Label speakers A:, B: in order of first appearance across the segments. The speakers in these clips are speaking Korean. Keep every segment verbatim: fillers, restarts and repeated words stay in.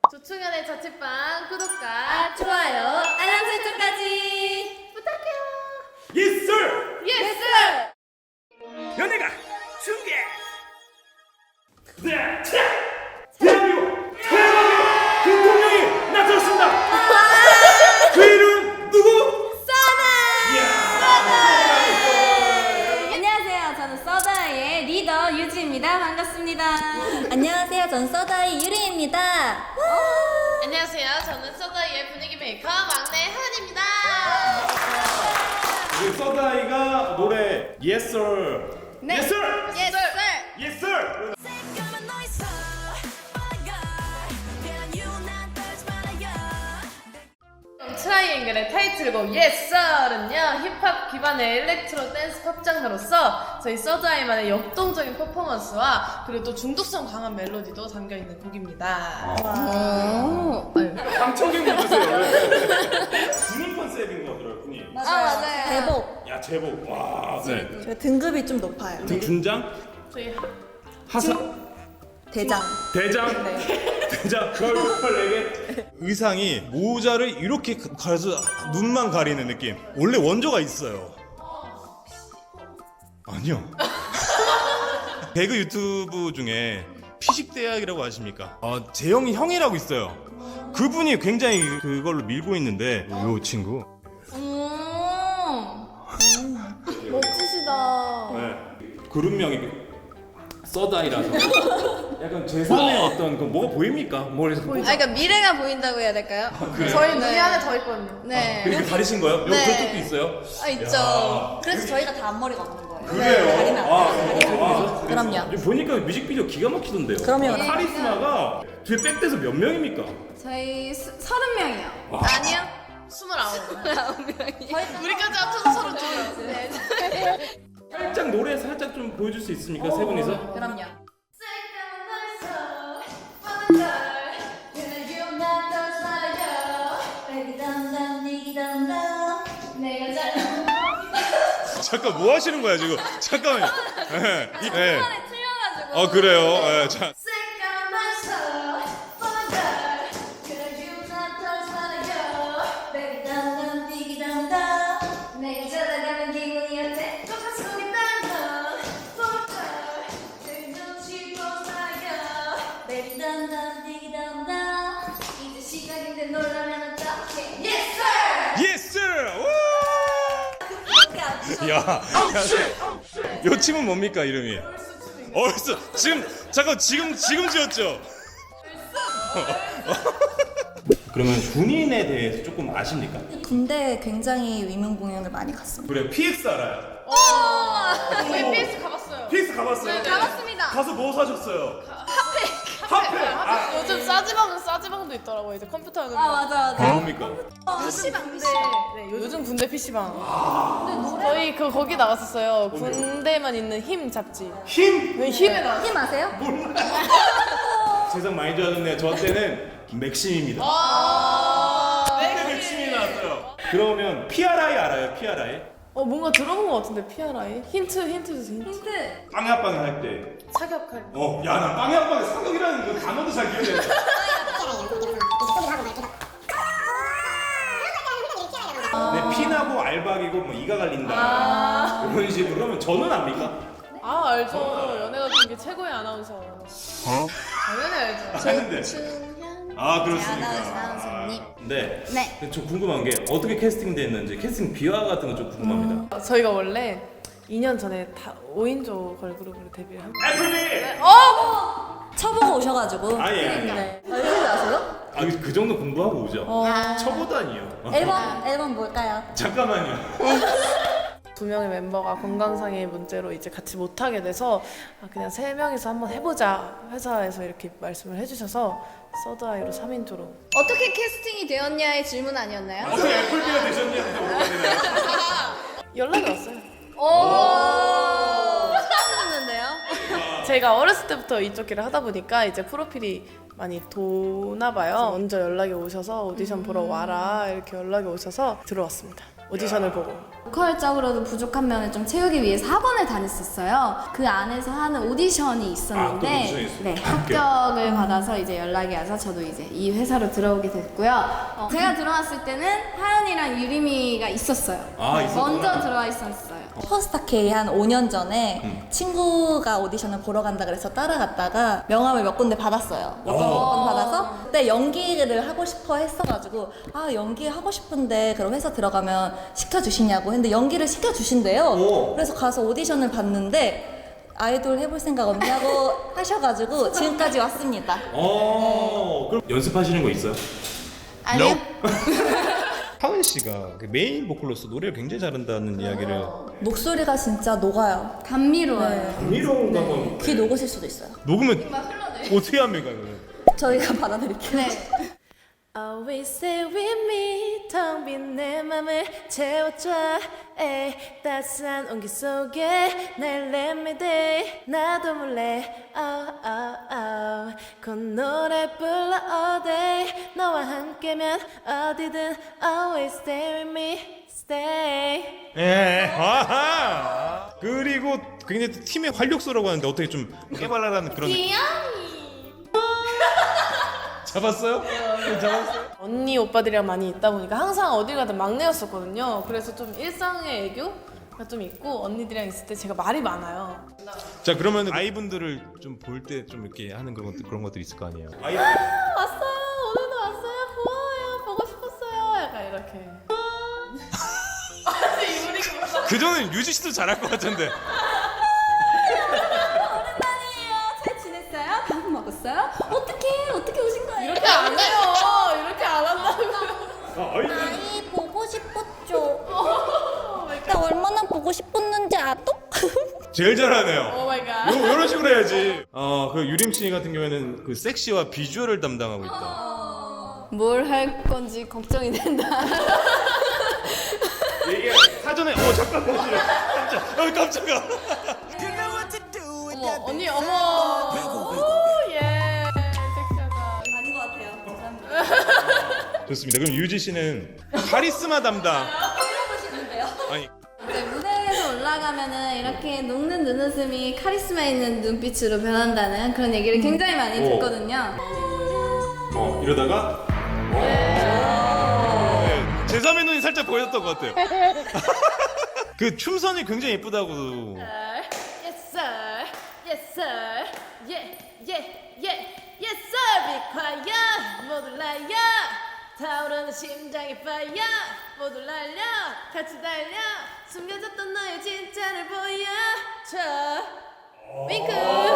A: 조충현의 자취방 구독과
B: 좋아요, 알람 설정까지
A: 부탁해요.
C: Yes sir!
A: 예스! yes,
C: 연예가 중계! 네, 자, 대한민국 최고의 대통령이 나타났습니다! 그 이름 누구?
B: 안녕하세요, 저는 서다이의 리더 유지입니다. 반갑습니다. 안녕하세요, 전 서다이 유리입니다.
A: 안녕하세요. 저는 서다이의 분위기 메이커 막내 하은입니다.
C: 우리 서다이가 노래 Yes sir!
B: 네.
C: Yes sir!
B: 예스!
C: Yes sir!
A: 트라이앵글의 타이틀곡 Yes Sir은요, 힙합 기반의 일렉트로 댄스 팝 장르로서 저희 서드아이만의 역동적인 퍼포먼스와 그리고 또 중독성 강한 멜로디도 담겨있는 곡입니다.
C: 방청객 누구세요? 군인 컨셉인 거 들었더니
B: 아, 맞아요. 대복.
C: 야 제복 와 네.
B: 저희 등급이 좀 높아요.
C: 등 중장?
A: 저희
C: 하사?
B: 대장.
C: 대장? 대장 걸걸에게 의상이 모자를 이렇게 가려서 눈만 가리는 느낌. 원래 원조가 있어요. 아니요. 배그 유튜브 중에 피식대학이라고 아십니까? 어, 재영이 형이라고 있어요. 그분이 굉장히 그걸로 밀고 있는데 요 친구
B: 멋지시다.
C: 네. 그룹명이 서다이라서 약간 제삼의 어떤 그 뭐가 보입니까? 뭘 해서
B: 아, 그러니까 미래가 보인다고 해야 될까요?
C: 그래요?
A: 저희 눈이
B: 네.
A: 안에 더 있거든요.
B: 네.
C: 그렇게 가리신 거예요? 여기
B: 네.
C: 그쪽도 있어요?
B: 아, 있죠.
C: 야.
B: 그래서 저희가 다 앞머리가 없는 거예요.
C: 그래요?
B: 가리면 안
C: 아,
B: 돼요.
C: 아,
B: 그럼요.
C: 지금 보니까 뮤직비디오 기가 막히던데요.
B: 그럼요.
C: 카리스마가 뒤에 백대서 몇 명입니까?
B: 저희 스, 서른 명이요.
C: 와.
A: 아니요. 스물아홉.
B: 저희
A: 우리까지 합쳐서 서른 두 명. 네.
C: 살짝 노래 살짝 좀 보여줄 수 있습니까? 세 분이서?
B: 그럼요.
C: 잠깐 뭐 하시는 거야 지금? 잠깐만요. 네. 이- 네.
B: 틀려가지고.
C: 어 그래요. 네. 자.
B: 이제 시작인데 놀라면 어떡해. Yes
C: 예스! 우! 야, 야, 요 팀은 뭡니까 이름이? 얼스. 지금 잠깐 지금 지금 지었죠? 그러면 군인에 대해서 조금 아십니까?
B: 군대 굉장히 위문 공연을 많이 갔습니다.
C: 그래 피엑스 알아요?
A: 저희 피에스 가봤어요.
C: 피엑스 가봤어요?
A: 네,
B: 가봤습니다.
C: 가서 뭐 사셨어요? 핫팩! 아,
A: 요즘 싸지방은 싸지방도 있더라고요. 이제 컴퓨터 하는 거.
B: 아, 맞아, 맞아.
C: 뭡니까?
A: 피시방 군대. 네, 요즘 군대 피시방. 저희 그 거기 나갔었어요. 군대만 있는 힘 잡지.
C: 힘?
A: 네, 힘에 나왔어요.
B: 힘 아세요?
C: 세상 많이 좋아졌네요. 저 때는 맥심입니다. 그때 맥심이 나왔어요. 그러면 피아르아이 알아요? 피아르아이?
A: 어 뭔가 들어본 것 같은데 피아라이? 힌트 힌트 주세요. 힌트.
B: 힌트.
C: 빵야 빵야 할 때.
A: 사격할 때.
C: 어, 야, 나 빵야 빵야 사격이라는 그 단어도 잘 기억이 안 나. 네, 피나고 알박이고 뭐 이가 갈린다. 이런 식으로. 그러면 저는 압니까?
A: 아 알죠. 연예가 중에 최고의 아나운서.
C: 어?
A: 당연히 알죠.
C: 아는데. 아, 그렇습니까?
B: 아나운서, 아나운서님.
C: 아, 네.
B: 네.
C: 근데 저 궁금한 게 어떻게 캐스팅됐는지 캐스팅 비화 같은 거 좀 궁금합니다.
A: 저희가 원래 이 년 전에 다 오 인조 걸그룹으로 데뷔를 한 거예요.
C: 애플비!
A: 어!
B: 쳐보고 오셔가지고.
C: 아, 예.
B: 네. 알고 아세요?
C: 아, 그 정도 공부하고 오죠. 처보다니요.
B: 앨범, 앨범 뭘까요?
C: 잠깐만요.
A: 두 명의 멤버가 건강상의 문제로 이제 같이 못하게 돼서 아, 그냥 세 명이서 한번 해보자 회사에서 이렇게 말씀을 해주셔서 서드아이로 삼 인조로
B: 어떻게 캐스팅이 되었냐의 질문 아니었나요?
C: 어떻게 애플비가 되셨냐고 물어봐야 되나요?
A: 연락이 왔어요.
B: 오. 처음 듣는데요?
A: 제가 어렸을 때부터 이쪽 길을 하다 보니까 이제 프로필이 많이 도나 봐요. 먼저 연락이 오셔서 오디션 보러 와라 이렇게 연락이 오셔서 들어왔습니다. 오디션을 보고.
B: 보컬적으로도 부족한 면을 좀 채우기 위해서 학원을 다녔었어요. 그 안에서 하는 오디션이 있었는데
C: 아, 또 오디션이 있어요?
B: 네,
C: 합격.
B: 합격을 받아서 이제 연락이 와서 저도 이제 이 회사로 들어오게 됐고요. 어, 제가 들어왔을 때는 하연이랑 유림이가 있었어요.
C: 아, 있었구나.
B: 먼저 들어와 있었어요.
D: 퍼스타 K 한 오 년 전에 친구가 오디션을 보러 간다 그래서 따라갔다가 명함을 몇 군데 받았어요. 몇 번
C: 어.
D: 받아서 근데 연기를 하고 싶어 했어가지고 아 연기 하고 싶은데 그럼 회사 들어가면 시켜주시냐고 했는데 연기를 시켜주신대요.
C: 오.
D: 그래서 가서 오디션을 봤는데 아이돌 해볼 생각 없냐고 하셔가지고 지금까지 왔습니다.
C: 어, 그럼 연습하시는 거 있어요?
B: 아니요.
C: 하은 씨가 그 메인 보컬로서 노래를 굉장히 잘한다는 이야기를.
D: 목소리가 진짜 녹아요.
B: 감미로워요.
C: 감미로운가 봐.
D: 귀 녹으실 수도 있어요.
C: 녹으면 어떻게 합니까 이거는?
D: 저희가 받아드릴게요.
B: 네.
A: Always stay with me 텅 빈 내 맘을 채워줘 에이, 따스한 온기 속에 날 let me day 나도 몰래 oh, oh, oh. 곧 노래 불러 all day 너와 함께면 어디든 Always stay with me stay
C: 예. 아하. 그리고 굉장히 또 팀의 활력소라고 하는데 어떻게 좀 깨발랄한 그런.
A: 귀여워
C: 잡았어요? 네, 잡았어요?
A: 언니 오빠들이랑 많이 있다 보니까 항상 어딜 가든 막내였었거든요. 그래서 좀 일상의 애교가 좀 있고 언니들이랑 있을 때 제가 말이 많아요.
C: 자 그러면 아이분들을 좀 볼 때 좀 이렇게 하는 그런 것들 그런 것들이 있을 거 아니에요? 아이
A: 왔어요. 오늘도 왔어요. 고마워요. 보고 싶었어요. 약간 이렇게.
C: 그 정도는 유지 씨도 잘할 것 같은데.
B: 잘 지냈어요? 밥 먹었어요? 어떻게 어떻게 오신 거예요?
A: 이렇게 안 해요. 이렇게 안 한다고.
D: 아이 보고 싶었죠. 나 얼마나 보고 싶었는지 알아?
C: 제일 잘하네요.
A: 오 마이 갓.
C: 요, 이런 식으로 해야지. 어, 그 유림 씨 같은 경우에는 그 섹시와 비주얼을 담당하고 있다.
B: 뭘 할 건지 걱정이 된다.
C: 이게 사전에 어 잠깐만 깜짝 어 깜짝아.
A: 어머 언니 어머. 오 예. 섹시하다.
D: 아닌 것 같아요. 감사합니다.
C: 좋습니다. 그럼 유지 씨는 카리스마 담당. 아니
B: 이제 무대에서 올라가면은 이렇게 녹는 눈웃음이 카리스마 있는 눈빛으로 변한다는 그런 얘기를 굉장히 많이
C: 오.
B: 듣거든요.
C: 어 이러다가 네, 제삼의 눈이 살짝 보였던 것 같아요. 그 춤선이 굉장히 예쁘다고.
A: Yes sir. Yes sir. Yeah yeah yeah. Yes sir. Be quiet. 모두 날려. 타오르는 심장의 fire. 모두 날려. 같이 달려. 숨겨졌던 너의 진짜를 보여줘. 윙크.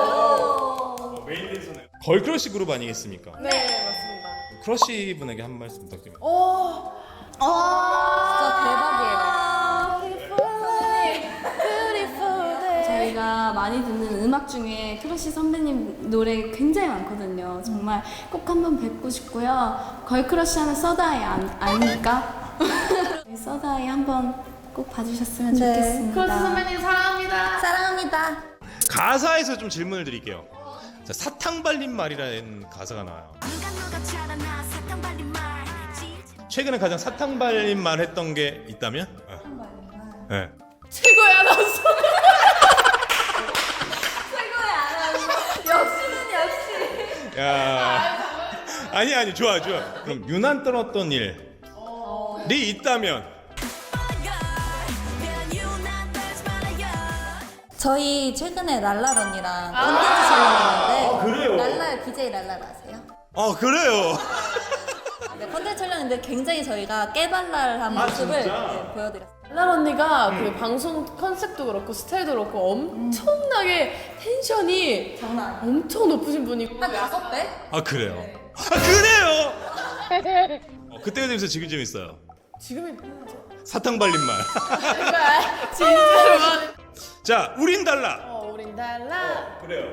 C: 메인 댄서네. 걸크러쉬 그룹 아니겠습니까?
A: 네 맞습니다.
C: 크러쉬 분에게 한 말씀 부탁드립니다.
A: 오.
D: 진짜 대박이에요.
B: 저희가 많이 듣는 음악 중에 크러쉬 선배님 노래 굉장히 많거든요. 정말 꼭 한번 뵙고 싶고요. 걸크러쉬 하는 서다이 안, 아닙니까? 서다이 한번 꼭 봐주셨으면
D: 네.
B: 좋겠습니다.
A: 크로스 선배님 사랑합니다.
D: 사랑합니다.
C: 가사에서 좀 질문을 드릴게요. 자, 사탕 발린 말이라는 가사가 나와요. 최근에 가장 사탕 발린 말 했던 게 있다면? 사탕 발린 말. 네.
A: 최고의 아나운서.
B: 역시는 역시.
C: 야. 아니 아니 좋아 좋아. 그럼 유난 떨었던 일이 있다면?
D: 저희 최근에 랄랄 언니랑 콘텐츠 촬영했는데
C: 아, 그래요?
D: 랄랄 비제이 랄랄 아세요?
C: 어 그래요.
D: 네, 콘텐츠 촬영했는데 굉장히 저희가 깨발랄한
C: 아,
D: 모습을
C: 진짜?
D: 네, 보여드렸어요.
A: 랄 언니가
C: 음.
A: 그 방송 컨셉도 그렇고 스타일도 그렇고 엄청나게 텐션이
D: 장난 아니에요.
A: 엄청 높으신 분이고
D: 한 다섯 배?
C: 아 그래요. 아 그래요. 어, 그때가 재밌어 지금 재밌어요.
A: 지금이
C: 사탕 발린 말.
A: 정말 진짜로
C: 자 우린 달라.
A: 어 우린 달라.
C: 그래요.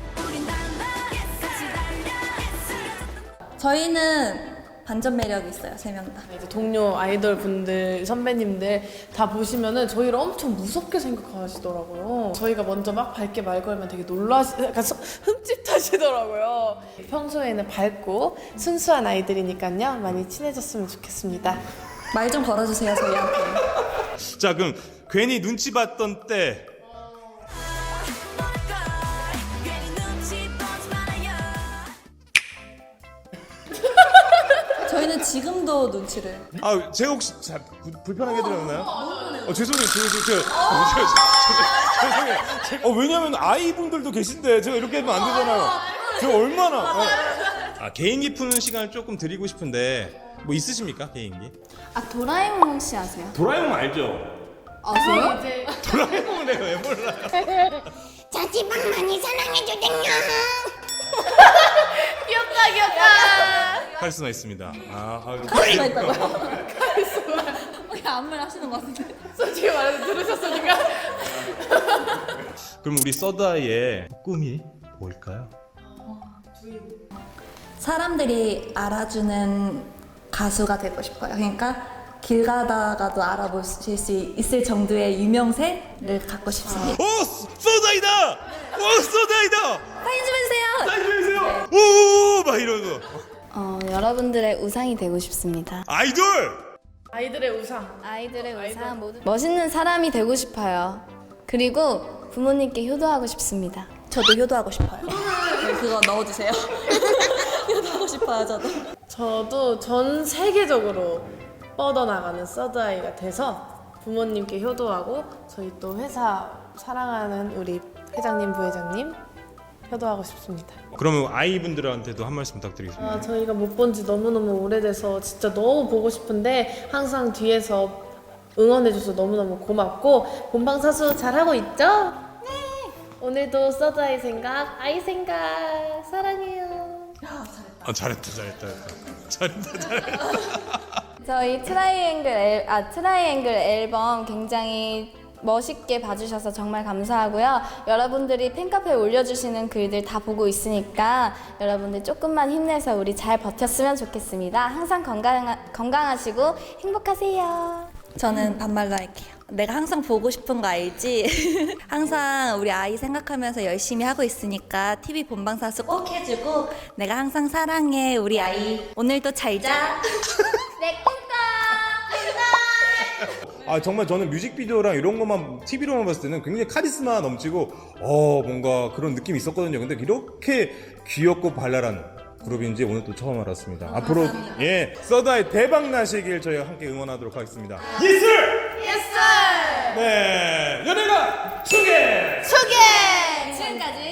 D: 저희는 반전 매력이 있어요, 세 명 다.
A: 이제 동료 아이돌 분들 선배님들 다 보시면은 저희를 엄청 무섭게 생각하시더라고요. 저희가 먼저 막 밝게 말 걸면 되게 놀라시, 약간 서- 흠칫하시더라고요. 평소에는 밝고 순수한 아이들이니까요 많이 친해졌으면 좋겠습니다.
D: 말 좀 걸어주세요, 저희한테.
C: 자, 그럼 괜히 눈치 봤던 때.
D: 저희는 지금도 눈치를.
C: 아, 제가 혹시 자, 부, 불편하게 해드렸나요? 어, 죄송해요. 저, 저, 저, 어, 저, 저, 저, 죄송해요. 제- 어, 왜냐면 아이분들도 계신데 제가 이렇게 하면 안 되잖아요. 제가 얼마나. 어. 아, 개인기 푸는 시간을 조금 드리고 싶은데 뭐 있으십니까? 개인기?
B: 아 도라에몽 혹시 아세요?
C: 도라에몽 알죠?
B: 아세요?
A: 이제
C: 도라에몽은 내가 왜 몰라요?
E: 자취방 많이 사랑해주세요.
A: 귀엽다 귀엽다.
C: 카리스마 있습니다. 아, 아
D: 카리스마 있다고요? 왜 아무 말 하시는 것 같은데?
A: 솔직히 말해서 들으셨으니까.
C: 그럼 우리 서다이의 꿈이 뭘까요?
D: 사람들이 알아주는 가수가 되고 싶어요. 그러니까 길 가다가도 알아보실 수 있을 정도의 유명세를 갖고 싶습니다.
C: 오! 서다이다! 오! 서다이다!
D: 사인 좀 해주세요!
C: 사인 좀 해주세요! 오! 막 이러고.
B: 어 여러분들의 우상이 되고 싶습니다.
C: 아이돌!
A: 아이들의 우상.
B: 아이들의 우상 모두 멋있는 사람이 되고 싶어요. 그리고 부모님께 효도하고 싶습니다.
D: 저도 효도하고 싶어요. 네, 그거 넣어주세요. 효도하고 싶어요, 저도.
A: 저도 전 세계적으로 뻗어나가는 서드아이가 돼서 부모님께 효도하고 저희 또 회사 사랑하는 우리 회장님, 부회장님 효도하고 싶습니다.
C: 그러면 아이분들한테도 한 말씀 부탁드리겠습니다.
A: 아, 저희가 못 본 지 너무너무 오래돼서 진짜 너무 보고 싶은데 항상 뒤에서 응원해줘서 너무너무 고맙고 본방사수 잘하고 있죠? 네! 오늘도 서드아이 생각, 아이 생각 사랑해요.
C: 아, 잘했다, 잘했다, 잘했다, 잘했다.
B: 저희 트라이앵글 앨, 아 트라이앵글 앨범 굉장히 멋있게 봐주셔서 정말 감사하고요. 여러분들이 팬카페에 올려주시는 글들 다 보고 있으니까 여러분들 조금만 힘내서 우리 잘 버텼으면 좋겠습니다. 항상 건강, 건강하시고 행복하세요.
D: 저는 반말로 할게요. 내가 항상 보고 싶은 거 알지? 항상 우리 아이 생각하면서 열심히 하고 있으니까 티비 본방사수 꼭 해주고 내가 항상 사랑해 우리 아이. 오늘도 잘 자.
B: 내 꿈꿔!
C: 아, 정말 저는 뮤직비디오랑 이런 것만 티비로만 봤을 때는 굉장히 카리스마 넘치고 어 뭔가 그런 느낌이 있었거든요. 근데 이렇게 귀엽고 발랄한 그룹인지 오늘 또 처음 알았습니다. 앞으로 예 서다이 대박 나시길 저희가 함께 응원하도록 하겠습니다. 예술!
A: 예스!
C: 네 연예가 소개!
B: 소개! 지금까지